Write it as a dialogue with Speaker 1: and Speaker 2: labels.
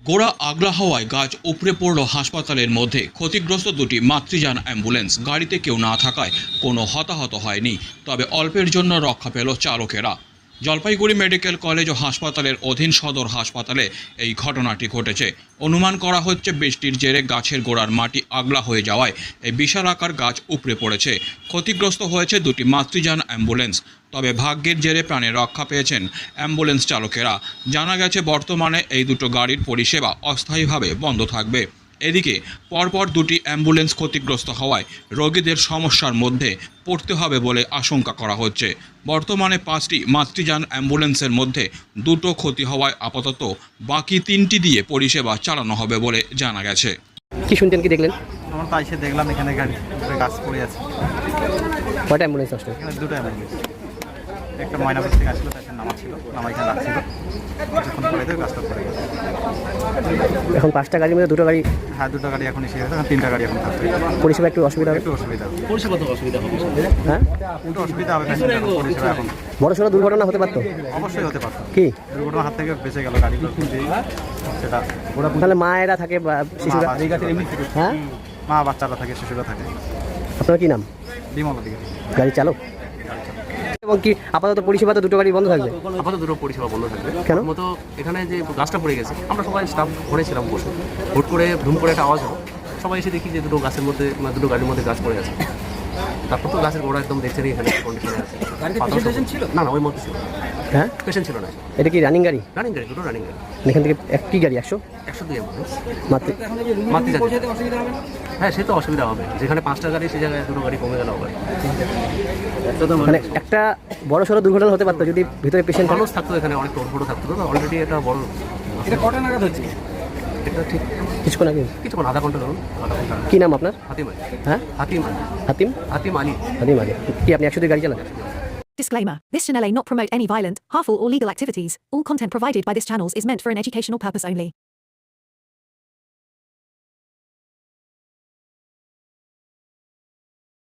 Speaker 1: গোড়া আগলা হওয়ায় গাছ উপড়ে পড়ল হাসপাতালের মধ্যে। ক্ষতিগ্রস্ত দুটি মাতৃযান অ্যাম্বুলেন্স। গাড়িতে কেউ না থাকায় কোনো হতাহত হয়নি, তবে অল্পের জন্য রক্ষা পেল চালকেরা। জলপাইগুড়ি মেডিকেল কলেজ ও হাসপাতালের অধীন সদর হাসপাতালে এই ঘটনাটি ঘটেছে। অনুমান করা হচ্ছে বৃষ্টির জেরে গাছের গোড়ার মাটি আগলা হয়ে যাওয়ায় এই বিশাল আকার গাছ উপড়ে পড়েছে। ক্ষতিগ্রস্ত হয়েছে দুটি মাতৃযান অ্যাম্বুলেন্স, তবে ভাগ্যের জেরে প্রাণে রক্ষা পেয়েছেন অ্যাম্বুলেন্স চালকেরা। জানা গেছে বর্তমানে এই দুটো গাড়ির পরিষেবা অস্থায়ীভাবে বন্ধ থাকবে। এদিকে পরপর দুটি অ্যাম্বুলেন্স ক্ষতিগ্রস্ত হওয়ায় রোগীদের সমস্যার মধ্যে পড়তে হবে বলে আশঙ্কা করা হচ্ছে। বর্তমানে 5টি মাতৃযান অ্যাম্বুলেন্সের মধ্যে দুটো ক্ষতি হওয়ায় আপাতত বাকি 3টি দিয়ে পরিষেবা চালানো হবে বলে জানা গেছে।
Speaker 2: কি শুনতেন, কি দেখলেন?
Speaker 3: আমার তো এসে দেখলাম এখানে গাড়ি গাছ পড়ে আছে।
Speaker 2: কয়টা অ্যাম্বুলেন্স আসলো?
Speaker 3: এখানে দুটো অ্যাম্বুলেন্স, একটা ময়নাপুর থেকে আসলো, তার নামা ছিল, নামা এখানে রাখছিল, কিছুক্ষণ পরে তো গাছটা পড়ে গেছে।
Speaker 2: এখন 5টা গাড়ির মধ্যে দুটো গাড়ি।
Speaker 3: হ্যাঁ, দুটো গাড়ি এখন এসে গেছে, এখন 3টা গাড়ি এখন থাকবে।
Speaker 2: পরিষেবা একটু অসুবিধা হবে।
Speaker 3: একটু অসুবিধা হবে।
Speaker 4: পরিষেবা তো অসুবিধা হবে।
Speaker 2: হ্যাঁ,
Speaker 3: একটু অসুবিধা হবে পরিষেবা এখন।
Speaker 2: বড়সড় দুর্ঘটনা হতে পারতো।
Speaker 3: অবশ্যই হতে পারত।
Speaker 2: কি
Speaker 3: দুর্ঘটনার হাত থেকে বেঁচে গেল গাড়িগুলো, সেটা
Speaker 2: তাহলে মায়েরা থাকে বা শিশুরা? হ্যাঁ,
Speaker 3: মা বাচ্চারা থাকে, শিশুরা থাকে।
Speaker 2: আপনার কি নাম?
Speaker 3: বিমল দিকে
Speaker 2: গাড়ি চালক। এবং কি আপাতত পরিষেবা তো দুটো গাড়ি বন্ধ থাকবে?
Speaker 4: আপাতত দুটো পরিষেবা বন্ধ থাকবে।
Speaker 2: কেন?
Speaker 4: মতো এখানে যে গাছটা পড়ে গেছে, আমরা সবাই স্টাফ ঘুরেছিলাম বসে, হুট করে ধুম করে একটা আওয়াজ হলো, সবাই এসে দেখি যে দুটো গাছের মধ্যে দুটো গাড়ির মধ্যে গাছ পড়ে আছে। তারপর তো গাছের গোড়া একদম দেখছেন এখানে কন্ডিশনে আছে। না না, ওই মধ্যে ছিল
Speaker 2: হ্যাঁ,
Speaker 4: পেশেন্ট ছিল না।
Speaker 2: এটা কি রানিং গাড়ি?
Speaker 4: রানিং গাড়ি, দুটো রানিং গাড়ি।
Speaker 2: এখান থেকে একটি গাড়ি 102
Speaker 4: অ্যাম্বুলেন্স
Speaker 2: মাতৃ।
Speaker 4: হ্যাঁ, সে তো অসুবিধা হবে। যেখানে 5টা গাড়ি, সে জায়গায় দুটো গাড়ি কমে গেল হবে।
Speaker 2: মানে একটা বড়সড় দুর্ঘটনা হতে পারতো যদি ভিতরে পেশেন্ট
Speaker 4: মানুষ থাকতো, এখানে অনেক টোটো থাকতো। তো অলরেডি এটা বড়।
Speaker 3: এটা কটা নাগাদ হচ্ছে?
Speaker 4: এটা ঠিক
Speaker 2: কিছুক্ষণ আগে।
Speaker 4: কিছুক্ষণ, আধা ঘন্টা ধরুন, আধা ঘন্টা।
Speaker 2: কি নাম আপনার?
Speaker 4: হাতিম আলী।
Speaker 2: হ্যাঁ,
Speaker 4: হাতিম আলী।
Speaker 2: হাতিম।
Speaker 4: হাতিম আলী।
Speaker 2: হাতিম আলী। কি আপনি 102 গাড়ি চালান?
Speaker 5: Disclaimer. This channel may not promote any violent, harmful or legal activities. All content provided by this channel is meant for an educational purpose only.